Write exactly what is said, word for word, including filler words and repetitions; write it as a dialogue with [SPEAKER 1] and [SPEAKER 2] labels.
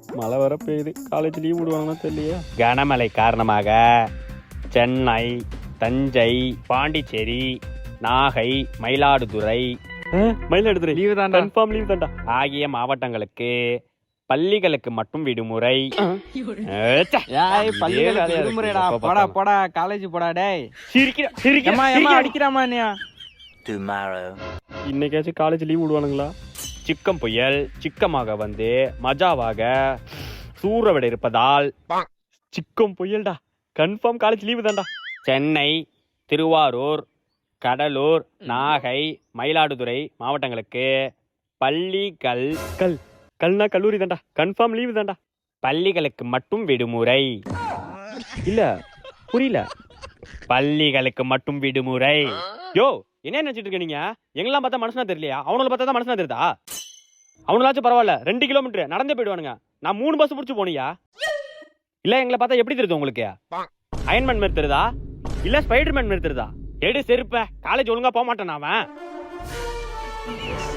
[SPEAKER 1] மழை வர பெய்யுது, காலேஜ் லீவ் விடுவாங்கன்னா தெரியலையா. கனமழை காரணமாக சென்னை, தஞ்சை, பாண்டிச்சேரி, நாகை, மயிலாடுதுறை மயிலாடுதுறை
[SPEAKER 2] லீவு தான்
[SPEAKER 1] கன்ஃபார்ம் லீவ் தான்டா ஆகிய மாவட்டங்களுக்கு பள்ளிகளுக்கு மட்டும் விடுமுறை.
[SPEAKER 2] விடுமுறைடா, போடா போடா காலேஜ் போடா. டேய்
[SPEAKER 1] சிரிக்கிறா சிரிக்கிறா
[SPEAKER 2] ஏமா அடிக்கிறாமா நீ?
[SPEAKER 1] இன்னைக்காச்சும் காலேஜ் லீவ் விடுவானுங்களா? சிக்கம் புயல் சிக்கமாக வந்து மஜாவாக சூறவிட இருப்பதால் சிக்கம் புயல்டா கன்ஃபார்ம் காலேஜ் லீவு தான்டா. சென்னை, திருவாரூர், கடலூர், நாகை, மயிலாடுதுறை மாவட்டங்களுக்கு பள்ளிகள் கல் கல்னா கல்லூரி தான்டா கன்ஃபார்ம் லீவு தான்டா. பள்ளிகளுக்கு மட்டும் விடுமுறை. இல்ல புரியல. பள்ளிகளுக்கு மட்டும் விடுமுறை. யோ என்ன நினைச்சிட்டு இருக்க நீங்க? எங்கெல்லாம் பார்த்தா மனுஷனா தெரியலையா? அவனுல பார்த்தா தான் மனுஷனா தெரியுதா? அவனுலாச்சும் பரவாயில்ல, ரெண்டு கிலோமீட்டர் நடந்தே போயிடுவானுங்க. நான் மூணு பஸ் பிடிச்சி போனியா? இல்ல எங்களை பார்த்தா எப்படி தெரியுது உங்களுக்கு? அயன்மேன் மாதிரி தெரியுதா இல்ல ஸ்பைடர்மேன் மாதிரி தெரியுதா? எடு செருப்ப, காலேஜ் ஒழுங்கா போக மாட்டேன் அவன்.